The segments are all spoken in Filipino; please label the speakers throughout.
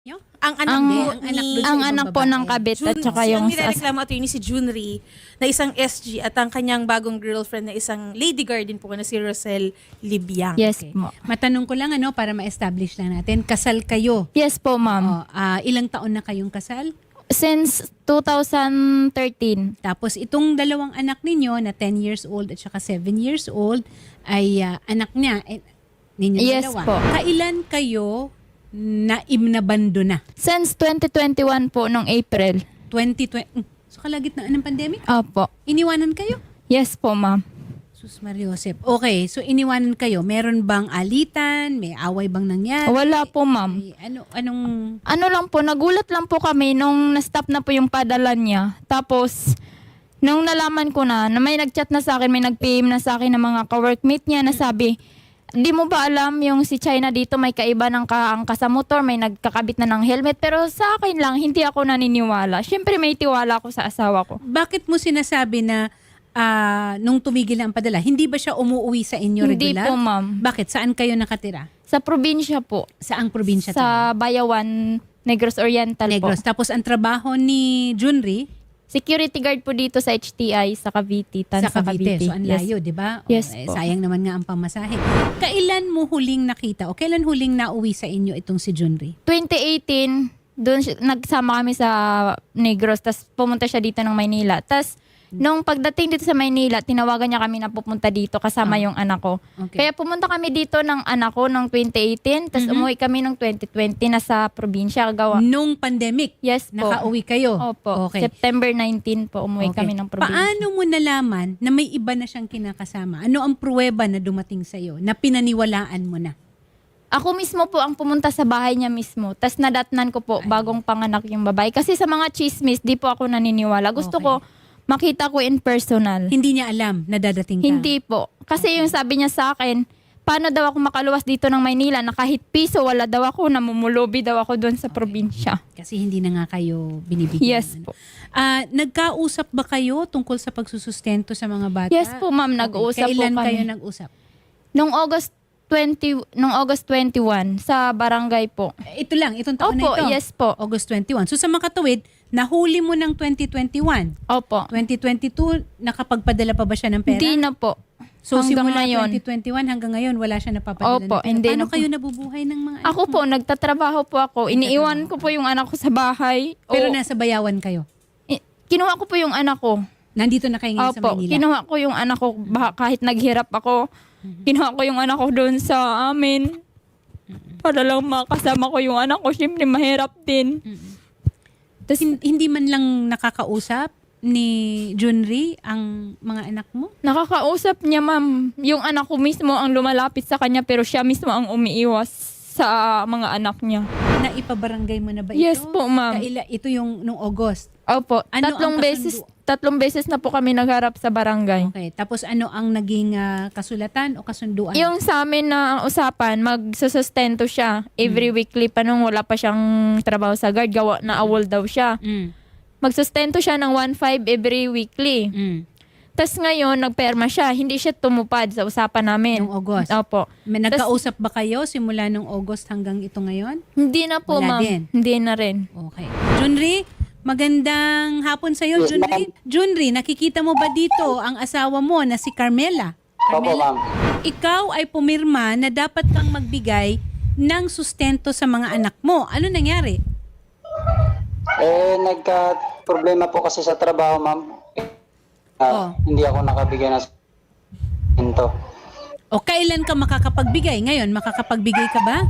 Speaker 1: Nyo? Ang anak
Speaker 2: Ang,
Speaker 1: din, ang anak dun sa
Speaker 2: ang
Speaker 1: ibang
Speaker 2: anak po
Speaker 1: babae.
Speaker 2: ng kabit at saka
Speaker 3: Ang
Speaker 2: yung
Speaker 3: nirereklamo attorney si Junri na isang SG at ang kanyang bagong girlfriend na isang lady guard din po na si Rosel Libyang.
Speaker 2: Yes
Speaker 1: Okay.
Speaker 2: mo.
Speaker 1: Matanong ko lang para ma-establish lang natin. Kasal kayo.
Speaker 2: Yes po, ma'am.
Speaker 1: Ilang taon na kayong kasal?
Speaker 2: Since 2013.
Speaker 1: Tapos itong dalawang anak ninyo na 10 years old at saka 7 years old ay anak niya. Ninyo
Speaker 2: Yes
Speaker 1: dalawa.
Speaker 2: po.
Speaker 1: Kailan kayo naimnabando na?
Speaker 2: Since 2021 po, nung April.
Speaker 1: 2020. So kalagitnaan ng pandemic?
Speaker 2: Opo.
Speaker 1: Iniwanan kayo?
Speaker 2: Yes po, ma'am.
Speaker 1: Sus Mariosep. Okay, so iniwanan kayo. Meron bang alitan? May away bang nangyari?
Speaker 2: Wala po, ma'am.
Speaker 1: Ay, anong...
Speaker 2: Ano lang po, nagulat lang po kami nung na-stop na po yung padala niya. Tapos, nung nalaman ko na may nag-chat na sa akin, may nag-PM na sa akin ng mga ka-workmate niya na sabi, di mo ba alam yung si China dito may kaiba ng kaangka sa motor, may nagkakabit na ng helmet. Pero sa akin lang, hindi ako naniniwala. Siyempre may tiwala ako sa asawa ko.
Speaker 1: Bakit mo sinasabi na nung tumigil na ang padala, hindi ba siya umuwi sa inyo
Speaker 2: Hindi
Speaker 1: regular?
Speaker 2: po, ma'am.
Speaker 1: Bakit? Saan kayo nakatira?
Speaker 2: Sa probinsya po.
Speaker 1: Saang probinsya tayo?
Speaker 2: Sa Bayawan, Negros Oriental
Speaker 1: Negros.
Speaker 2: po.
Speaker 1: Tapos ang trabaho ni Junri
Speaker 2: Security guard po dito sa HTI sa Cavite,
Speaker 1: sa Cavite. So ang
Speaker 2: Yes.
Speaker 1: layo, di ba?
Speaker 2: Yes po.
Speaker 1: Sayang naman nga ang pamasahe. Kailan mo huling nakita o kailan huling nauwi sa inyo itong si Junri?
Speaker 2: 2018, doon nagsama kami sa Negros, tapos pumunta siya dito ng Maynila. Tapos, nung pagdating dito sa Maynila, tinawagan niya kami na pupunta dito kasama yung anak ko.
Speaker 1: Okay.
Speaker 2: Kaya pumunta kami dito ng anak ko noong 2018, tapos umuwi kami noong 2020 na sa probinsya. Gawa.
Speaker 1: Nung pandemic,
Speaker 2: Yes po.
Speaker 1: nakauwi kayo?
Speaker 2: Opo.
Speaker 1: Okay.
Speaker 2: September 19 po umuwi
Speaker 1: Okay.
Speaker 2: kami ng probinsya.
Speaker 1: Paano mo nalaman na may iba na siyang kinakasama? Ano ang pruweba na dumating sa'yo na pinaniwalaan mo na?
Speaker 2: Ako mismo po ang pumunta sa bahay niya mismo. Tapos nadatnan ko po bagong panganak yung babae. Kasi sa mga chismis, di po ako naniniwala. Gusto
Speaker 1: Okay.
Speaker 2: ko makita ko in personal.
Speaker 1: Hindi niya alam na dadating ka?
Speaker 2: Hindi po. Kasi yung sabi niya sa akin, paano daw ako makaluwas dito ng Maynila na kahit piso wala daw ako, namumulobi daw ako doon sa probinsya.
Speaker 1: Kasi hindi na nga kayo binibigyan.
Speaker 2: Yes po.
Speaker 1: Nagkausap ba kayo tungkol sa pagsusustento sa mga bata?
Speaker 2: Yes po, ma'am. Nag-uusap po
Speaker 1: Kailan
Speaker 2: kami.
Speaker 1: kayo nag-usap?
Speaker 2: Nung August 21 sa barangay po.
Speaker 1: Ito lang, itong taon
Speaker 2: Opo,
Speaker 1: na ito.
Speaker 2: yes po.
Speaker 1: August 21. So sa makatuwid, nahuli mo ng 2021.
Speaker 2: Opo.
Speaker 1: 2022, nakapagpadala pa ba siya ng pera?
Speaker 2: Hindi na po.
Speaker 1: So
Speaker 2: Hanggang
Speaker 1: simula
Speaker 2: ngayon.
Speaker 1: 2021 hanggang ngayon, wala siya napapadala
Speaker 2: Opo,
Speaker 1: ng pera.
Speaker 2: hindi
Speaker 1: Paano
Speaker 2: na po.
Speaker 1: kayo nabubuhay ng mga anak
Speaker 2: Ako
Speaker 1: mo?
Speaker 2: po, nagtatrabaho po ako. Iniiwan ko po yung anak ko sa bahay.
Speaker 1: Pero
Speaker 2: O,
Speaker 1: nasa bayawan kayo.
Speaker 2: kinuha ko po yung anak ko.
Speaker 1: Nandito na kayo ngayon sa
Speaker 2: Opo,
Speaker 1: Maynila.
Speaker 2: kinuha ko yung anak ko kahit naghirap ako. Kinuha ko yung anak ko doon sa amin. Para lang makasama ko yung anak ko. Siyempre mahirap din.
Speaker 1: Tapos hindi man lang nakakausap ni Junri ang mga anak mo?
Speaker 2: Nakakausap niya, ma'am. Yung anak ko mismo ang lumalapit sa kanya pero siya mismo ang umiiwas sa mga anak niya.
Speaker 1: Naipabarangay mo na ba ito?
Speaker 2: Yes po, ma'am.
Speaker 1: Ito yung nung August.
Speaker 2: Opo,
Speaker 1: Ano ang
Speaker 2: tatlong beses na po kami nagharap sa barangay.
Speaker 1: Okay. Tapos ano ang naging kasulatan o kasunduan?
Speaker 2: Yung sa amin na usapan, magsusustento siya every weekly pa nung wala pa siyang trabaho sa guard. Gawa na awol daw siya.
Speaker 1: Mm.
Speaker 2: Magsustento siya ng 1.5 every weekly.
Speaker 1: Mm.
Speaker 2: Tapos ngayon, nagperma siya. Hindi siya tumupad sa usapan namin.
Speaker 1: Nung August.
Speaker 2: Opo.
Speaker 1: May nagkausap ba kayo simula nung August hanggang ito ngayon?
Speaker 2: Hindi na po,
Speaker 1: Wala
Speaker 2: ma'am.
Speaker 1: din.
Speaker 2: Hindi na rin.
Speaker 1: Okay. Junri, magandang hapon sa iyo,
Speaker 4: Yes,
Speaker 1: Junri. Junri, nakikita mo ba dito ang asawa mo na si Carmela?
Speaker 4: Opo, ma'am.
Speaker 1: Ikaw ay pumirma na dapat kang magbigay ng sustento sa mga anak mo. Ano nangyari?
Speaker 4: Nagka-problema po kasi sa trabaho, ma'am. Hindi ako nakabigay ng sustento.
Speaker 1: O kailan ka makakapagbigay? Ngayon, makakapagbigay ka ba?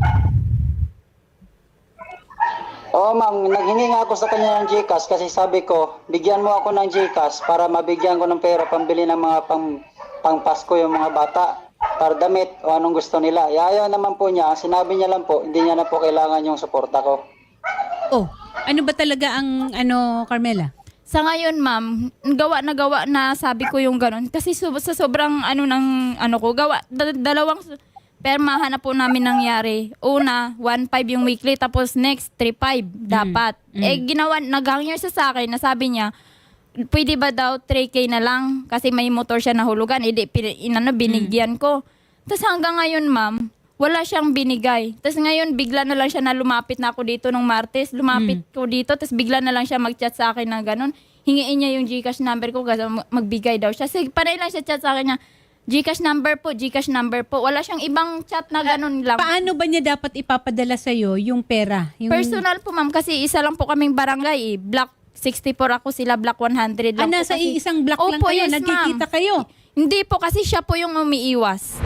Speaker 4: Oo, ma'am. Naghingi nga ako sa kanya ng GCash kasi sabi ko, bigyan mo ako ng GCash para mabigyan ko ng pera pambili ng mga pang Pasko yung mga bata para damit o anong gusto nila. Ayaw naman po niya. Sinabi niya lang po, hindi niya na po kailangan yung suporta ko.
Speaker 1: Oh, ano ba talaga ang Carmela?
Speaker 2: Sa ngayon, ma'am, gawa na sabi ko yung ganun. Kasi sa sobrang dalawang permahan na po namin nangyari. Una, 1.5 yung weekly, tapos next, 3.5 dapat. Nag-hangyer siya sa akin na sabi niya, pwede ba daw 3K na lang? Kasi may motor siya nahulugan. Binigyan ko. Tapos hanggang ngayon, ma'am, wala siyang binigay. Tapos ngayon, bigla na lang siya na lumapit na ako dito nung Martes. Lumapit ko dito, tapos bigla na lang siya mag-chat sa akin na ganun. Hingiin niya yung GCash number ko kasi magbigay daw siya. Sige, panay lang siya chat sa akin niya, GCash number po, GCash number po. Wala siyang ibang chat na ganun lang.
Speaker 1: Paano ba niya dapat ipapadala sa'yo yung pera? Yung...
Speaker 2: Personal po, ma'am, kasi isa lang po kaming barangay. Block 64 ako, sila block 100 lang po.
Speaker 1: nasa
Speaker 2: kasi.
Speaker 1: isang block lang
Speaker 2: Opo,
Speaker 1: kayo,
Speaker 2: yes,
Speaker 1: nagkikita
Speaker 2: ma'am.
Speaker 1: kayo.
Speaker 2: Hindi po, kasi siya po yung umiiwas.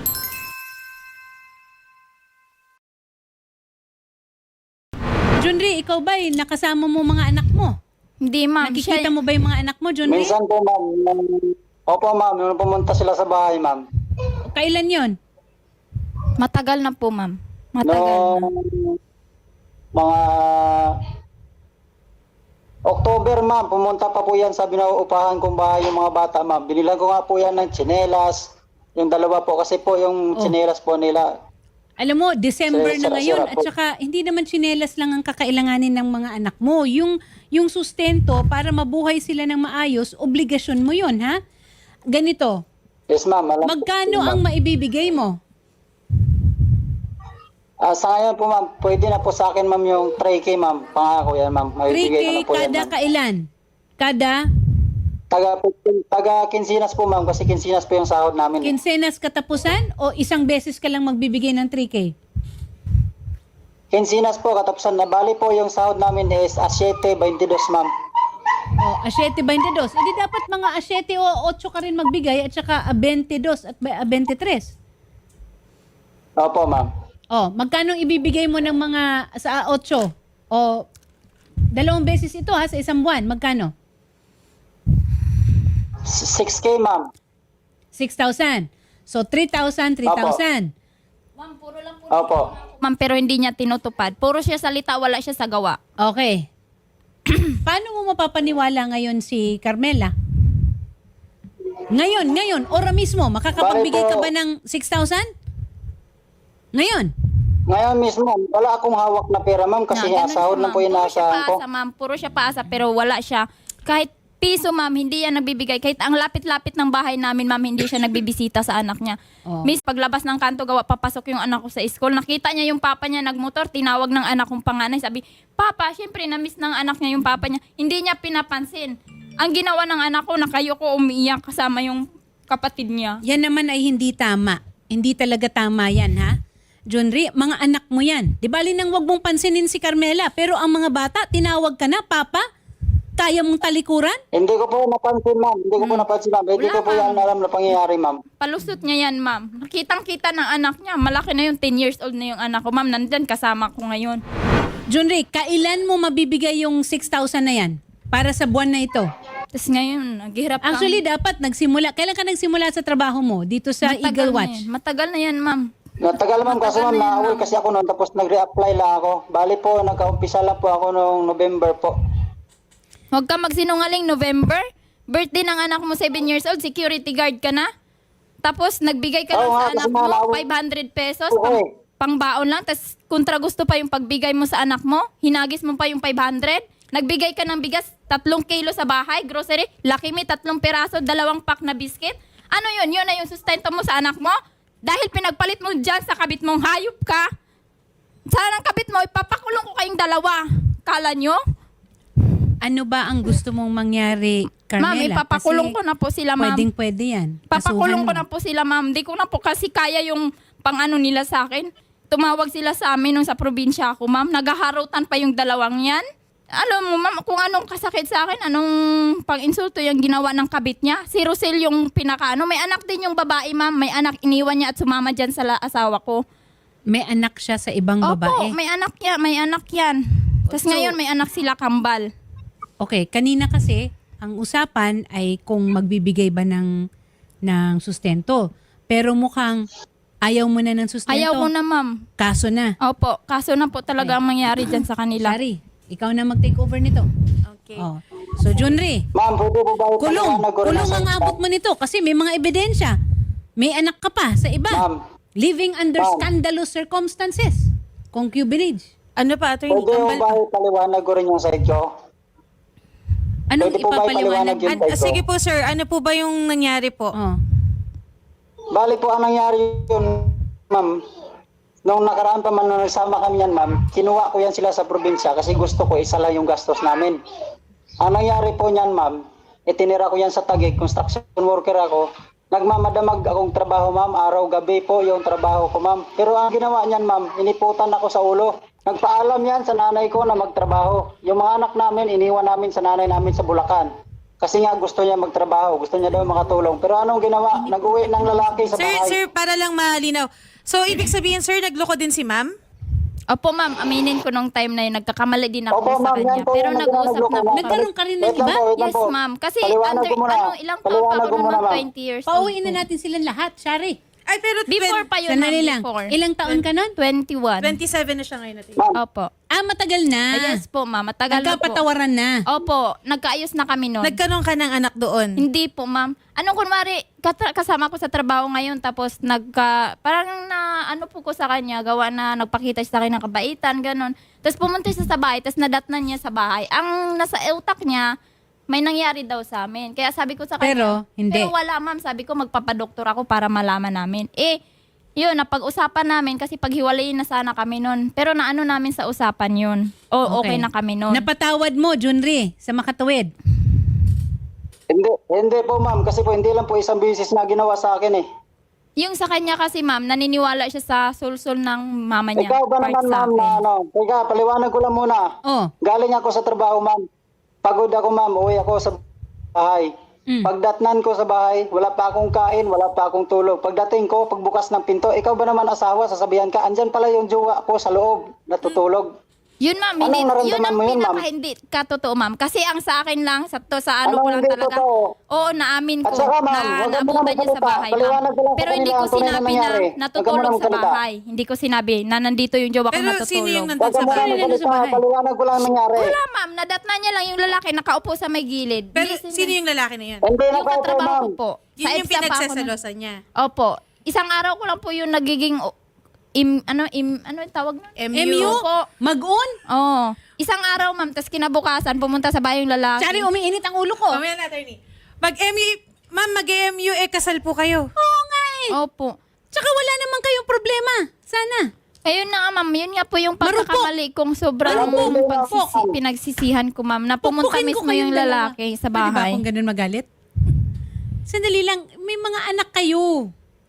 Speaker 1: Junri, ikaw ba nakasama mo mga anak mo?
Speaker 2: Hindi, ma'am.
Speaker 1: Nakikita
Speaker 2: Siya,
Speaker 1: mo ba yung mga anak mo, Junri?
Speaker 4: Minsan po, ma'am. Opo, ma'am. Nung pumunta sila sa bahay, ma'am.
Speaker 1: Kailan yon?
Speaker 2: matagal na po, ma'am. Matagal na.
Speaker 4: Noong mga October, ma'am, pumunta pa po yan sa binauupahan kong bahay yung mga bata, ma'am. Binilan ko nga po yan ng tsinelas, yung dalawa po, kasi po yung tsinelas po nila.
Speaker 1: Alam mo, December na
Speaker 4: Sira-sira
Speaker 1: ngayon at
Speaker 4: po.
Speaker 1: saka hindi naman tsinelas lang ang kakailanganin ng mga anak mo. Yung sustento para mabuhay sila ng maayos, obligasyon mo yon, ha? Ganito,
Speaker 4: Yes, ma'am. Alam ko
Speaker 1: magkano
Speaker 4: po, ma'am.
Speaker 1: ang maibibigay mo?
Speaker 4: Sa ngayon po, ma'am, pwede na po sa akin, ma'am, yung 3K, ma'am. Pangako yan, ma'am.
Speaker 1: 3K
Speaker 4: Maibigay ko na po yan,
Speaker 1: kada
Speaker 4: ma'am.
Speaker 1: kailan? Kada
Speaker 4: Taga Kinsinas po, ma'am, kasi Kinsinas po yung sahod namin.
Speaker 1: kinsenas katapusan o isang beses ka lang magbibigay ng 3K?
Speaker 4: Kinsinas po, katapusan na. Bali po yung sahod namin is 7.22, ma'am.
Speaker 1: O, 7.22. Hindi dapat mga 7 o 8 ka rin magbigay at saka 22 at 23.
Speaker 4: Opo, ma'am.
Speaker 1: O, magkano ibibigay mo ng mga sa 8? O, dalawang beses ito ha, sa isang buwan. Magkano?
Speaker 4: 6K, ma'am.
Speaker 1: 6,000. So, 3,000, 3,000.
Speaker 2: Ma'am, puro lang po.
Speaker 4: Opo.
Speaker 2: Ma'am, pero hindi niya tinutupad. Puro siya salita, wala siya sa gawa.
Speaker 1: Okay. Paano mo mapapaniwala ngayon si Carmela? Ngayon, ora mismo, makakapagbigay ka ba ng 6,000? Ngayon.
Speaker 4: Ngayon mismo, wala akong hawak na pera, ma'am, kasi
Speaker 2: Na,
Speaker 4: nga
Speaker 2: ganun
Speaker 4: sahod
Speaker 2: siya,
Speaker 4: lang po
Speaker 2: ma'am.
Speaker 4: yung
Speaker 2: Puro siya
Speaker 4: naasahan ko.
Speaker 2: paasa, ma'am. Puro siya paasa, pero wala siya. Kahit piso, ma'am, hindi yan nagbibigay. Kahit ang lapit-lapit ng bahay namin, ma'am, hindi siya nagbibisita sa anak niya.
Speaker 1: Oh.
Speaker 2: Miss, paglabas ng kanto, gawa, papasok yung anak ko sa school. Nakita niya yung papa niya nagmotor, tinawag ng anak kong panganay. Sabi, Papa, syempre, na-miss ng anak niya yung papa niya. Hindi niya pinapansin. Ang ginawa ng anak ko, nakayoko umiiyak kasama yung kapatid niya.
Speaker 1: Yan naman ay hindi tama. Hindi talaga tama yan, ha? Junri, mga anak mo yan. Di bali nang wag mong pansinin si Carmela, pero ang mga bata, tinawag ka na, Papa? Kaya mong talikuran?
Speaker 4: Hindi ko po napansin, ma'am. Hindi ko po napansin, ma'am. Hindi
Speaker 2: Wala,
Speaker 4: ko po yan alam na pangyayari, ma'am.
Speaker 2: Palusot niya yan, ma'am. Nakitang-kita ng anak niya. Malaki na yung 10 years old na yung anak ko, ma'am. Nandyan kasama ko ngayon.
Speaker 1: Junri, kailan mo mabibigay yung 6,000 na yan? Para sa buwan na ito?
Speaker 2: Tapos ngayon, naghihirap ka.
Speaker 1: Actually, dapat nagsimula. Kailan ka nagsimula sa trabaho mo? Dito sa Eagle Watch?
Speaker 2: Matagal na yan, ma'am.
Speaker 4: Natagal, ma'am, kasi ma'am,
Speaker 2: Matagal na yan,
Speaker 4: naaway
Speaker 2: ma'am.
Speaker 4: kasi ako noon, tapos nag-reapply lang ako. Bali po, nagka-umpisa lang po ako noong November po.
Speaker 2: Huwag ka magsinungaling, November. Birthday ng anak mo, 7 years old, security guard ka na. Tapos nagbigay ka lang
Speaker 4: Oo nga,
Speaker 2: sa
Speaker 4: kasi
Speaker 2: anak mo,
Speaker 4: malawak.
Speaker 2: 500 pesos,
Speaker 4: Oo.
Speaker 2: pangbaon lang. Tapos kontra gusto pa yung pagbigay mo sa anak mo, hinagis mo pa yung 500. Nagbigay ka ng bigas, 3 kilo sa bahay, grocery, Lucky Me, 3 peraso, 2 pack na biscuit. Ano yun? Yun na yung sustento mo sa anak mo? Dahil pinagpalit mo dyan sa kabit mong hayop ka. Sana ang kabit mo, ipapakulong ko kayong dalawa. Kala nyo?
Speaker 1: Ano ba ang gusto mong mangyari, Carmela?
Speaker 2: Ma'am, ipapakulong ko na po sila, ma'am.
Speaker 1: Pwedeng-pwede yan.
Speaker 2: Papakulong ko
Speaker 1: Kasuhan
Speaker 2: na po sila, ma'am. Di ko na po kasi kaya yung pang-ano nila sa akin. Tumawag sila sa amin nung sa probinsya ako, ma'am. Nagaharutan pa yung dalawang yan. Alam mo, ma'am, kung anong kasakit sa akin, anong pang-insulto yung ginawa ng kabit niya. Si Rosel yung pinakaano. May anak din yung babae, ma'am. May anak, iniwan niya at sumama dyan sa asawa ko.
Speaker 1: May anak siya sa ibang
Speaker 2: Opo,
Speaker 1: babae.
Speaker 2: may anak yan. May anak yan. Tapos ngayon, may anak sila kambal.
Speaker 1: Okay, kanina kasi, ang usapan ay kung magbibigay ba ng sustento. Pero mukhang ayaw mo na ng sustento.
Speaker 2: Ayaw ko na, ma'am.
Speaker 1: Kaso na.
Speaker 2: Opo, kaso na po talaga ang mangyari dyan sa kanila.
Speaker 1: Shari, ikaw na mag-take over nito.
Speaker 2: Okay.
Speaker 1: Oh. So, Junri,
Speaker 4: Ma'am, pwede po ba
Speaker 1: kulong
Speaker 4: ipaliwanag ko rin
Speaker 1: ang
Speaker 4: sa-
Speaker 1: abot mo nito kasi may mga ebidensya. May anak ka pa sa iba.
Speaker 4: Ma'am,
Speaker 1: Living under
Speaker 4: Ma'am.
Speaker 1: scandalous circumstances. Concubinage.
Speaker 3: Ano pa, attorney?
Speaker 4: pwede po ba ipaliwanag ko rin yung side ko?
Speaker 1: Anong
Speaker 4: Pwede po ba
Speaker 1: ipapaliwanag?
Speaker 4: ipaliwanag yun?
Speaker 3: Sige po, sir. Ano po ba yung nangyari po?
Speaker 1: Oh.
Speaker 4: Bali po, ang nangyari yun, ma'am, nung nakaraan pa man nung nagsama kami yan, ma'am, kinuha ko yan sila sa probinsya kasi gusto ko isa lang yung gastos namin. Ang nangyari po niyan, ma'am, itinira ko yan sa Taguig, construction worker ako. Nagmamadamag akong trabaho, ma'am, araw-gabi po yung trabaho ko, ma'am. Pero ang ginawa niyan, ma'am, iniputan ako sa ulo. Nagpaalam yan sa nanay ko na magtrabaho. Yung mga anak namin, iniwan namin sa nanay namin sa Bulacan. Kasi nga gusto niya magtrabaho, gusto niya daw makatulong. Pero anong ginawa? Nag-uwi ng lalaki sa bahay.
Speaker 3: Sir, para lang malinaw. So, ibig sabihin, sir, nagloko din si ma'am?
Speaker 2: Opo, ma'am. Aminin ko nung time na yun. Nagkakamali din ako
Speaker 4: Opo,
Speaker 2: sa
Speaker 4: ma'am,
Speaker 2: kanya.
Speaker 4: yan po
Speaker 2: Pero
Speaker 4: yung
Speaker 2: nag-uusap na po
Speaker 4: nagkakamali.
Speaker 2: kami.
Speaker 1: Nagkaroon ka rin ng
Speaker 4: Wait lang
Speaker 1: iba?
Speaker 4: po, wait lang
Speaker 2: Yes,
Speaker 4: po.
Speaker 2: ma'am. Kasi
Speaker 4: Paliwanag ko muna.
Speaker 2: ilang taon pa
Speaker 4: Paliwanag
Speaker 2: ako
Speaker 4: ko muna,
Speaker 2: naman?
Speaker 4: ma'am.
Speaker 2: 20 years old.
Speaker 1: Pauwiin na natin silang lahat, Shari.
Speaker 3: Ay, pero
Speaker 2: Before pa yun,
Speaker 1: Sandali
Speaker 2: ma'am.
Speaker 1: lang.
Speaker 2: Before.
Speaker 1: Ilang taon ka nun?
Speaker 2: 21.
Speaker 3: 27 na siya ngayon natin.
Speaker 4: Ma'am,
Speaker 2: Opo.
Speaker 1: Matagal na.
Speaker 2: Yes po, ma'am. Matagal na po.
Speaker 1: Nagkapatawaran na.
Speaker 2: Opo. Nagkaayos na kami noon.
Speaker 3: Nagkaroon ka ng anak doon?
Speaker 2: Hindi po, ma'am. Anong kunwari, kasama ko sa trabaho ngayon, tapos parang na, ano po ko sa kanya, gawa na nagpakita siya sa akin ng kabaitan, ganun. Tapos pumunta siya sa bahay, tapos nadatnan niya sa bahay. Ang nasa utak niya, may nangyari daw sa amin. Kaya sabi ko sa kanya,
Speaker 1: Pero, hindi.
Speaker 2: Pero wala, ma'am. Sabi ko, magpapadoktor ako para malaman namin. Yun, napag-usapan namin kasi paghiwalayin na sana kami nun. Pero naano namin sa usapan yun. Okay na kami nun.
Speaker 1: Napatawad mo, Junri, sa makatuwid.
Speaker 4: hindi po, ma'am. Kasi po, hindi lang po isang bisis na ginawa sa akin eh.
Speaker 2: Yung sa kanya kasi, ma'am, naniniwala siya sa sulsul ng mama niya.
Speaker 4: Ikaw ba
Speaker 2: part
Speaker 4: naman,
Speaker 2: sa
Speaker 4: ma'am,
Speaker 2: akin.
Speaker 4: na ano? Teka, paliwanag ko lang muna.
Speaker 1: Oh.
Speaker 4: Galing ako sa trabaho, ma'am. Pagod ako, ma'am. Uwi ako sa bahay. Pagdatnan ko sa bahay, wala pa akong kain, wala pa akong tulog. Pagdating ko, pagbukas ng pinto, ikaw ba naman asawa, sasabihan ka, andyan pala yung jowa ko sa loob, natutulog.
Speaker 2: Yun, ma'am,
Speaker 4: Anong
Speaker 2: hindi, yun
Speaker 4: naramdaman
Speaker 2: ang
Speaker 4: mo yun, ma'am?
Speaker 2: hindi katotoo, ma'am. Kasi ang sa akin lang, sa ano
Speaker 4: Anong
Speaker 2: ko lang
Speaker 4: hindi
Speaker 2: talaga.
Speaker 4: totoo?
Speaker 2: Oo, naamin ko
Speaker 4: At saka, ma'am,
Speaker 2: na
Speaker 4: huwag ka
Speaker 2: naabutan
Speaker 4: muna
Speaker 2: niya sa
Speaker 4: magsalita.
Speaker 2: bahay, ma'am.
Speaker 4: Paliwanag ko lang sa
Speaker 2: Pero hindi
Speaker 4: kanila
Speaker 2: ko
Speaker 4: ang tunay na
Speaker 2: sinabi na
Speaker 4: nangyari. Huwag ka
Speaker 2: natutulog
Speaker 4: muna
Speaker 2: sa
Speaker 4: magsalita.
Speaker 2: bahay. Hindi ko sinabi na nandito yung jowa ko
Speaker 3: Pero
Speaker 2: natutulog.
Speaker 3: sino yung
Speaker 4: Huwag
Speaker 3: nandun
Speaker 4: ka
Speaker 3: sa
Speaker 4: muna
Speaker 3: bahay?
Speaker 1: nandun sa
Speaker 4: magsalita.
Speaker 1: bahay?
Speaker 4: Paliwanag ko lang ang nangyari.
Speaker 2: Wala, ma'am. Nadatna niya lang yung lalaki nakaupo sa may gilid.
Speaker 3: Pero
Speaker 2: Hindi
Speaker 3: sino yung lalaki na yun?
Speaker 4: Hindi na
Speaker 2: Yung
Speaker 4: kayo po,
Speaker 2: katrabaho
Speaker 4: ma'am.
Speaker 2: ko po.
Speaker 3: Yun
Speaker 2: Sa
Speaker 3: yung
Speaker 2: EDSA pa ako na-
Speaker 3: pinagsasalosan niya.
Speaker 2: Opo. Isang araw ko lang po yung nagiging ano yung tawag na?
Speaker 1: MU?
Speaker 2: Po.
Speaker 1: Mag-on?
Speaker 2: Oo. Isang araw, ma'am, tapos kinabukasan, pumunta sa bahay yung lalaki.
Speaker 1: Shari, umiinit ang ulo ko.
Speaker 3: Mamaya na, attorney. Ma'am, mag-MU kasal po kayo.
Speaker 1: Oo nga eh.
Speaker 2: Opo.
Speaker 1: Tsaka wala naman kayong problema. Sana.
Speaker 2: Ayun na nga, ma'am. Yun nga po yung
Speaker 1: Marupok.
Speaker 2: pagkakamali kong sobrang
Speaker 1: Marupok.
Speaker 2: pinagsisihan ko, ma'am. Na pumunta
Speaker 1: Pupukin ko
Speaker 2: mismo
Speaker 1: kayong
Speaker 2: yung
Speaker 1: dalawa.
Speaker 2: lalaki sa
Speaker 1: Pwede ba
Speaker 2: bahay.
Speaker 1: akong ganun magalit? Sandali lang, may mga anak kayo.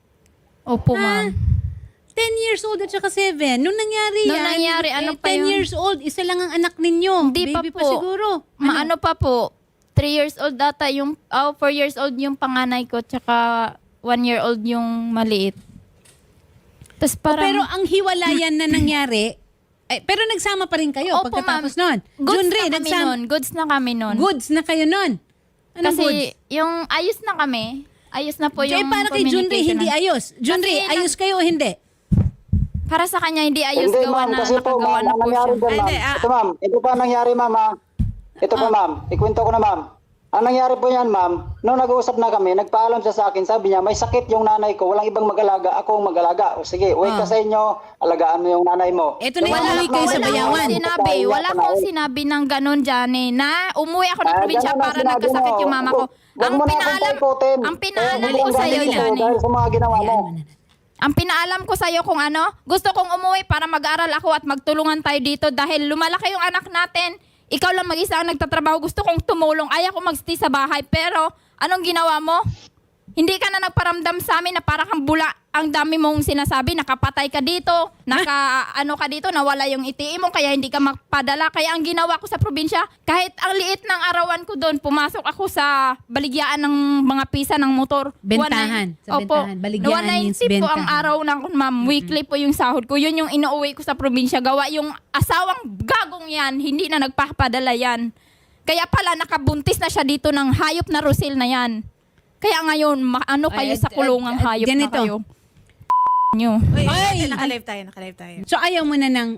Speaker 2: Opo, ma'am.
Speaker 1: 10 years old at saka 7. Nung nangyari
Speaker 2: Nung
Speaker 1: yan,
Speaker 2: nangyari, ano pa
Speaker 1: 10
Speaker 2: yun?
Speaker 1: years old, isa lang ang anak ninyo.
Speaker 2: Hindi pa
Speaker 1: Baby
Speaker 2: po.
Speaker 1: pa siguro.
Speaker 2: Ano pa po? 3 years old data yung, 4 years old yung panganay ko, tsaka 1 year old yung maliit. Tapos parang,
Speaker 1: Pero ang hiwalayan na nangyari, pero nagsama pa rin kayo
Speaker 2: Opo,
Speaker 1: pagkatapos
Speaker 2: ma'am.
Speaker 1: nun.
Speaker 2: Goods
Speaker 1: Junri,
Speaker 2: na kami nun. Goods na kami nun.
Speaker 1: Goods na kayo nun. Anong
Speaker 2: Kasi
Speaker 1: goods?
Speaker 2: yung ayos na kami. Ayos na po
Speaker 1: Kaya
Speaker 2: yung
Speaker 1: para kay Junri,
Speaker 2: communication
Speaker 1: hindi
Speaker 2: na-
Speaker 1: ayos. Junri,
Speaker 2: Kasi
Speaker 1: ayos kayo o hindi?
Speaker 2: Para sa kanya, hindi ayos
Speaker 4: Hindi,
Speaker 2: gawa
Speaker 4: ma'am,
Speaker 2: na
Speaker 4: kasi po,
Speaker 2: nakagawa
Speaker 4: ma'am,
Speaker 2: na
Speaker 4: ang
Speaker 2: po
Speaker 4: nangyari
Speaker 2: siya.
Speaker 4: dyan, ma'am.
Speaker 3: Hindi,
Speaker 4: Ito, ma'am. Ito pa ang nangyari, ma'am, ha? Ito po, ma'am. Ikwento ko na, ma'am. Ang nangyari po yan, ma'am, nung nag-uusap na kami, nagpaalam siya sa akin, sabi niya, may sakit yung nanay ko, walang ibang mag-alaga, ako ang mag-alaga. O sige, uwi ka sa inyo, alagaan mo yung nanay mo.
Speaker 1: Eto na yung
Speaker 2: Wala
Speaker 1: uwi kayo sa
Speaker 2: wala
Speaker 1: bayawan.
Speaker 2: akong sinabi. Wala akong sinabi ng ganun dyan eh, na umuwi ako ng probinsya
Speaker 4: ganun ang
Speaker 2: para
Speaker 4: sinabi
Speaker 2: nagkasakit
Speaker 4: mo.
Speaker 2: yung mama ko.
Speaker 4: Huwag
Speaker 2: Ang
Speaker 4: mo na akong
Speaker 2: pinaalam,
Speaker 4: taikutin.
Speaker 2: ang pinaalam
Speaker 4: Kaya
Speaker 2: ko
Speaker 4: hindi
Speaker 2: sa'yo
Speaker 4: ang
Speaker 1: Dali lang.
Speaker 2: dyan eh.
Speaker 4: dahil sa mga ginawa mo.
Speaker 1: Hayaan mo na.
Speaker 2: Ang pinaalam ko sa'yo kung ano, gusto kong umuwi para mag-aral ako at magtulungan tayo dito dahil lumalaki yung anak natin. Ikaw lang mag-isa ang nagtatrabaho. Gusto kong tumulong. Ayaw ko mag-stay sa bahay. Pero, anong ginawa mo? Hindi ka na nagparamdam sa amin na para kang bula. Ang dami mong sinasabi, nakapatay ka dito, ano ka dito, nawala yung iti mo, kaya hindi ka magpadala. Kaya ang ginawa ko sa probinsya, kahit ang liit ng arawan ko doon, pumasok ako sa baligyaan ng mga pisa ng motor.
Speaker 1: Bentahan. Sa bentahan. Baligyan means
Speaker 2: 190 po ang
Speaker 1: bentahan.
Speaker 2: araw ng ma'am. Weekly po yung sahod ko. Yun yung inuuwi ko sa probinsya. Gawa yung asawang gagong yan, hindi na nagpapadala yan. Kaya pala nakabuntis na siya dito ng hayop na Rusil na yan. Kaya ngayon, ano kayo sa kulungang hayop
Speaker 1: ganito.
Speaker 2: na kayo? Nyo.
Speaker 3: Uy,
Speaker 1: Ay!
Speaker 3: naka-live tayo.
Speaker 1: So ayaw mo na ng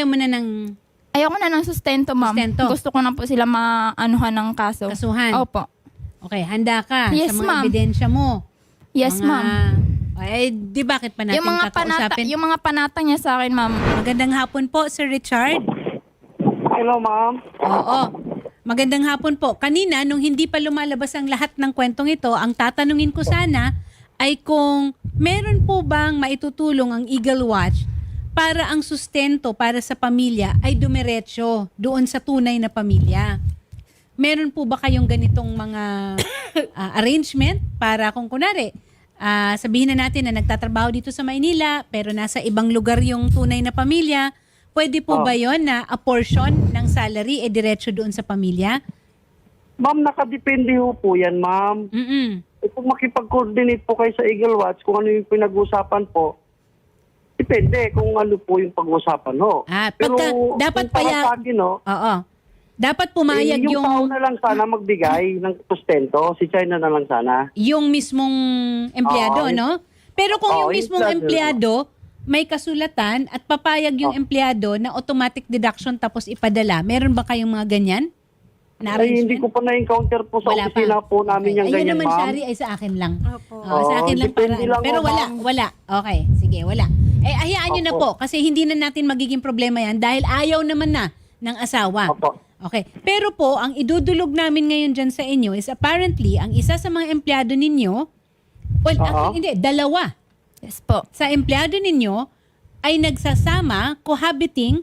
Speaker 2: Ayoko na ng sustento, ma'am.
Speaker 1: Sustento.
Speaker 2: Gusto ko na po sila maanuhan ng kaso.
Speaker 1: kasuhan.
Speaker 2: Opo.
Speaker 1: Okay, handa ka
Speaker 2: Yes,
Speaker 1: sa mga
Speaker 2: ma'am.
Speaker 1: ebidensya mo.
Speaker 2: Yes,
Speaker 1: Mga-
Speaker 2: ma'am.
Speaker 1: Ay, di bakit pa natin kakausapin?
Speaker 2: Yung mga panata niya sa akin, ma'am.
Speaker 1: Magandang hapon po, Sir Richard.
Speaker 4: Hello, ma'am.
Speaker 1: Oo. Magandang hapon po. Kanina, nung hindi pa lumalabas ang lahat ng kwentong ito, ang tatanungin ko sana ay kung meron po bang maitutulong ang Eagle Watch para ang sustento para sa pamilya ay dumiretso doon sa tunay na pamilya. Meron po ba kayong ganitong mga arrangement para kung kunwari, sabihin na natin na nagtatrabaho dito sa Maynila pero nasa ibang lugar yung tunay na pamilya, pwede po ba yon na a portion ng salary diretso doon sa pamilya?
Speaker 5: Ma'am, nakadepende ho po yan, ma'am.
Speaker 1: Mm-mm.
Speaker 5: Kung makipag-coordinate po kayo sa Eagle Watch, kung ano yung pinag-usapan po, depende kung ano po yung pag-usapan ho.
Speaker 1: Dapat
Speaker 5: kung para sa akin, ho,
Speaker 1: Oo. Dapat pumayag
Speaker 5: yung tao na lang sana magbigay ng sustento, si China na lang sana.
Speaker 1: yung mismong empleyado,
Speaker 5: Oo,
Speaker 1: no? Pero kung yung
Speaker 5: yung
Speaker 1: mismong empleyado may kasulatan at papayag yung empleyado na automatic deduction tapos ipadala, meron ba kayong mga ganyan? Na
Speaker 5: Ay, hindi
Speaker 1: arrangement?
Speaker 5: ko pa na-encounter po sa
Speaker 1: Wala
Speaker 5: opisina
Speaker 1: pa.
Speaker 5: po namin yung
Speaker 1: Ayun
Speaker 5: ganyan,
Speaker 1: naman,
Speaker 5: ma'am.
Speaker 1: Shari, ay sa akin lang.
Speaker 3: Opo.
Speaker 1: Sa akin lang para.
Speaker 5: depende lang
Speaker 1: Pero
Speaker 5: ho,
Speaker 1: wala,
Speaker 5: ma'am.
Speaker 1: wala. Okay, sige, wala. Hayaan nyo na po kasi hindi na natin magiging problema yan dahil ayaw naman na ng asawa.
Speaker 5: Opo.
Speaker 1: Okay. Pero po, ang idudulog namin ngayon dyan sa inyo is apparently, ang isa sa mga empleyado ninyo, well, actually, hindi, dalawa
Speaker 2: Yes po.
Speaker 1: sa empleyado ninyo ay nagsasama, cohabiting,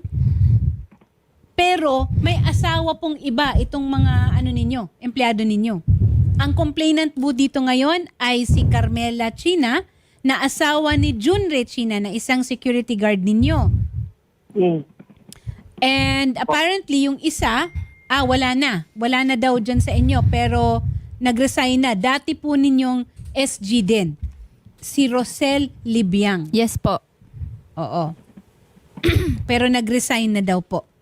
Speaker 1: pero may asawa pong iba itong mga empleyado ninyo. Ang complainant po dito ngayon ay si Carmela China na asawa ni Junre China na isang security guard ninyo.
Speaker 5: Mm.
Speaker 1: And apparently yung isa, wala na. Wala na daw dyan sa inyo pero nag-resign na. Dati po ninyong SG din. Si Rosel Libiang.
Speaker 2: Yes po.
Speaker 1: Oo. Pero nag-resign na daw po.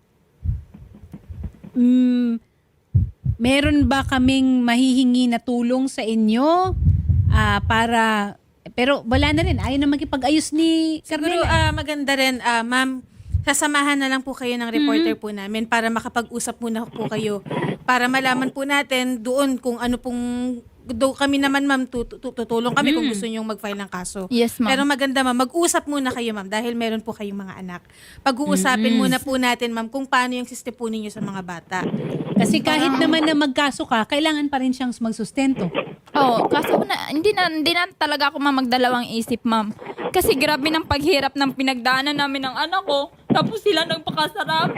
Speaker 1: Meron ba kaming mahihingi na tulong sa inyo para... Pero wala na rin. Ayaw na magipag-ayos ni
Speaker 3: Siguro
Speaker 1: Carmela.
Speaker 3: maganda rin, ma'am, sasamahan na lang po kayo ng reporter po namin para makapag-usap muna po kayo para malaman po natin doon kung ano pong kami naman ma'am tutulong kami kung gusto niyo mag-file ng kaso.
Speaker 2: Yes, ma'am.
Speaker 3: Pero maganda ma'am, mag-usap muna kayo ma'am dahil meron po kayong mga anak. Pag-uusapin muna po natin ma'am kung paano yung system po ninyo sa mga bata.
Speaker 1: Kasi kahit naman na magkaso ka, kailangan pa rin siyang magsustento.
Speaker 2: Oo, kaso hindi na talaga ako magdalawang isip, ma'am. Kasi grabe ng paghirap ng pinagdaanan namin ng anak ko. Tapos sila nagpakasarap.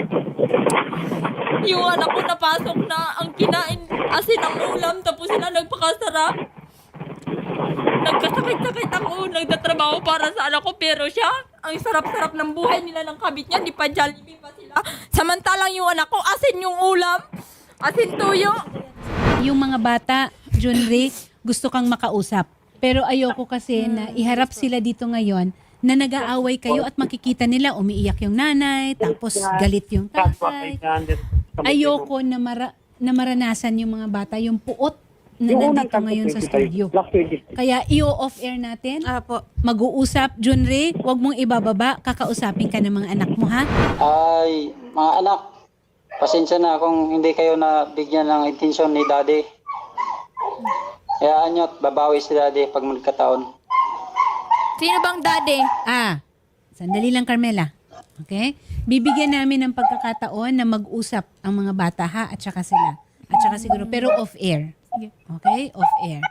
Speaker 2: Yung anak ko napasok na ang kinain asin ang ulam. Tapos sila nagpakasarap. Nagkasakit-sakit ako. Nagtatrabaho para sa anak ko. Pero siya, ang sarap-sarap ng buhay nila ng kabit niya. Di pa Jollibee pa sila. Samantalang yung anak ko, asin yung ulam. Asin tuyo.
Speaker 1: Yung mga bata, Junri, gusto kang makausap. Pero ayoko kasi na iharap sila dito ngayon na nag-aaway kayo at makikita nila umiiyak yung nanay, tapos galit yung tatay. Ayoko na, maranasan yung mga bata, yung puot na nandito ngayon sa studio. Kaya i-off-air natin.
Speaker 3: Po.
Speaker 1: Mag-uusap, Junri, wag mong ibababa, kakausapin ka ng mga anak mo, ha?
Speaker 4: Ay, mga anak, pasensya na kung hindi kayo nabigyan ng intensyon ni Daddy. Hayaan nyo at babawi si Daddy pag magkataon.
Speaker 2: Sino bang daddy?
Speaker 1: Sandali lang, Carmela. Okay? Bibigyan namin ng pagkakataon na mag-usap ang mga bata, ha? At saka sila. At saka siguro, pero off-air. Okay? Off-air.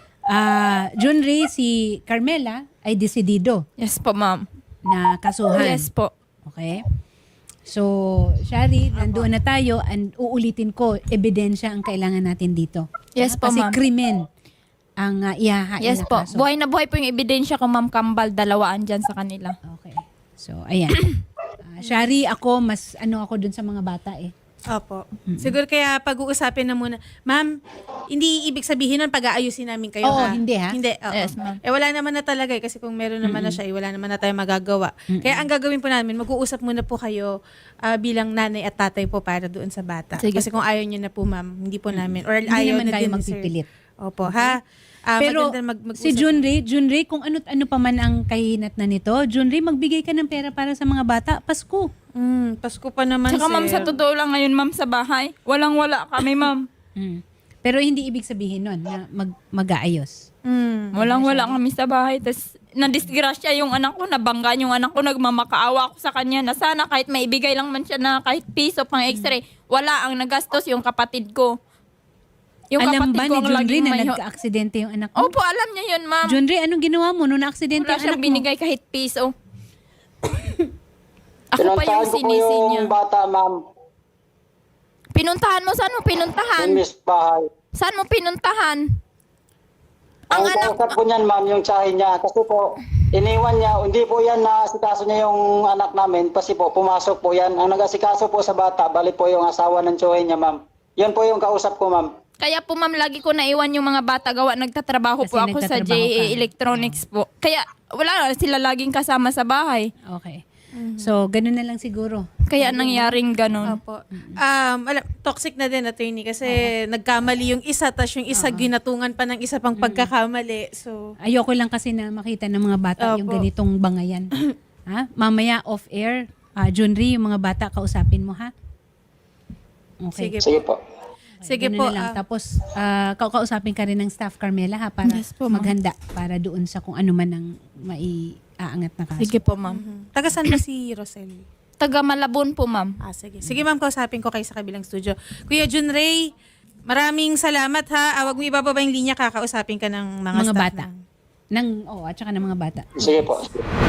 Speaker 1: Junri, si Carmela ay desidido
Speaker 2: Yes po, ma'am.
Speaker 1: na kasuhan.
Speaker 2: Yes po.
Speaker 1: Okay? So, Shari, nandoon na tayo and uulitin ko, ebidensya ang kailangan natin dito.
Speaker 2: Yes po,
Speaker 1: Kasi
Speaker 2: ma'am.
Speaker 1: krimen ang ihahain
Speaker 2: Yes
Speaker 1: na
Speaker 2: po.
Speaker 1: kaso.
Speaker 2: Buhay na buhay po yung ebidensya ko, Ma'am Kambal. Dalawaan dyan sa kanila.
Speaker 1: Okay. So, ayan. Shari, ako, mas ako dun sa mga bata eh.
Speaker 3: Opo. Siguro kaya pag-uusapin na muna. Ma'am, hindi ibig sabihin nun pag-aayusin namin kayo,
Speaker 1: Oo,
Speaker 3: ha?
Speaker 1: hindi, ha?
Speaker 3: Hindi, oo.
Speaker 2: Yes, ma'am.
Speaker 3: Wala naman na talaga kasi kung meron naman na siya, wala naman na tayong magagawa. Kaya ang gagawin po namin, mag-uusap muna po kayo bilang nanay at tatay po para doon sa bata.
Speaker 2: Sige.
Speaker 3: Kasi kung ayaw nyo na po, ma'am, hindi po namin. Or
Speaker 1: Hindi
Speaker 3: ayaw
Speaker 1: naman
Speaker 3: na
Speaker 1: tayo
Speaker 3: din,
Speaker 1: magpipilit.
Speaker 3: sir. Opo, ha?
Speaker 1: Pero
Speaker 3: maganda mag-usap.
Speaker 1: si Junri, kung ano pa man ang kahinat na nito, Junri, magbigay ka ng pera para sa mga bata. Pasko.
Speaker 3: Pasko pa naman,
Speaker 2: Tsaka,
Speaker 3: sir.
Speaker 2: ma'am, sa totoo lang ngayon, ma'am, sa bahay, walang-wala kami, ma'am.
Speaker 1: Pero hindi ibig sabihin nun na mag-aayos.
Speaker 2: Walang-wala kami sa bahay. Tapos, nadisgrasya yung anak ko, nabangga yung anak ko, nagmamakaawa ako sa kanya na sana kahit maibigay lang man siya na kahit piso pang x-ray, wala ang nagastos yung kapatid ko. Yung
Speaker 1: Alam
Speaker 2: kapatid
Speaker 1: ba
Speaker 2: ko
Speaker 1: ni
Speaker 2: ang
Speaker 1: Junri
Speaker 2: laging
Speaker 1: na
Speaker 2: may...
Speaker 1: nagka-aksidente yung anak mo?
Speaker 2: Opo, alam niya yun, ma'am.
Speaker 1: Junri, anong ginawa mo nung na-aksidente
Speaker 2: Wala
Speaker 1: ang anak
Speaker 2: siyang
Speaker 1: mo?
Speaker 2: binigay kahit piso. Ako pa yung
Speaker 4: Pinuntahan ko po
Speaker 2: sinisi niya.
Speaker 4: yung bata, ma'am.
Speaker 2: Pinuntahan mo? Saan mo pinuntahan?
Speaker 4: Yung miss bahay.
Speaker 2: Saan mo pinuntahan? Ang
Speaker 4: Ang
Speaker 2: anak,
Speaker 4: kausap po niyan, ma'am, yung tsahin niya. Kasi po, iniwan niya. Hindi po yan na asikaso niya yung anak namin. Kasi po, pumasok po yan. Ang nag-asikaso po sa bata, bali po yung asawa ng tsuhin niya, ma'am. Yun po yung kausap ko, ma'am.
Speaker 2: kaya po ma'am, lagi ko naiwan yung mga bata gawa. Nagtatrabaho
Speaker 1: Kasi
Speaker 2: po ako sa
Speaker 1: nagtatrabaho
Speaker 2: JA
Speaker 1: ka.
Speaker 2: Electronics po. Kaya wala, sila laging kasama sa bahay.
Speaker 1: Okay. So, ganun na lang siguro.
Speaker 2: Kaya nangyaring ganun.
Speaker 3: Opo. Toxic na din, attorney, kasi nagkamali yung isa, tas yung isa ginatungan pa ng isa pang pagkakamali. So,
Speaker 1: Ayoko lang kasi na makita ng mga bata yung
Speaker 3: Opo.
Speaker 1: ganitong bangayan. Ha? Mamaya off-air, Junri, yung mga bata, kausapin mo, ha? Okay.
Speaker 3: sige
Speaker 4: Sige
Speaker 3: po.
Speaker 4: po.
Speaker 3: Sige
Speaker 1: Ganun
Speaker 3: po.
Speaker 1: na lang. Tapos, kausapin ka rin ng staff, Carmela, ha? Para
Speaker 2: Yes po, ma'am.
Speaker 1: maghanda para doon sa kung ano man ang maiaangat na kaso.
Speaker 2: Sige po ma'am.
Speaker 3: Taga saan ba si Rosel?
Speaker 2: Taga Malabon po ma'am.
Speaker 3: Sige. Sige ma'am, kausapin ko kayo sa kabilang studio. Kuya Jun Ray, maraming salamat ha. Wag mo ibababa yung linya, kakausapin ka ng mga
Speaker 1: Mga
Speaker 3: staff
Speaker 1: bata.
Speaker 3: ng-
Speaker 1: At saka ng mga bata.
Speaker 4: Sige po.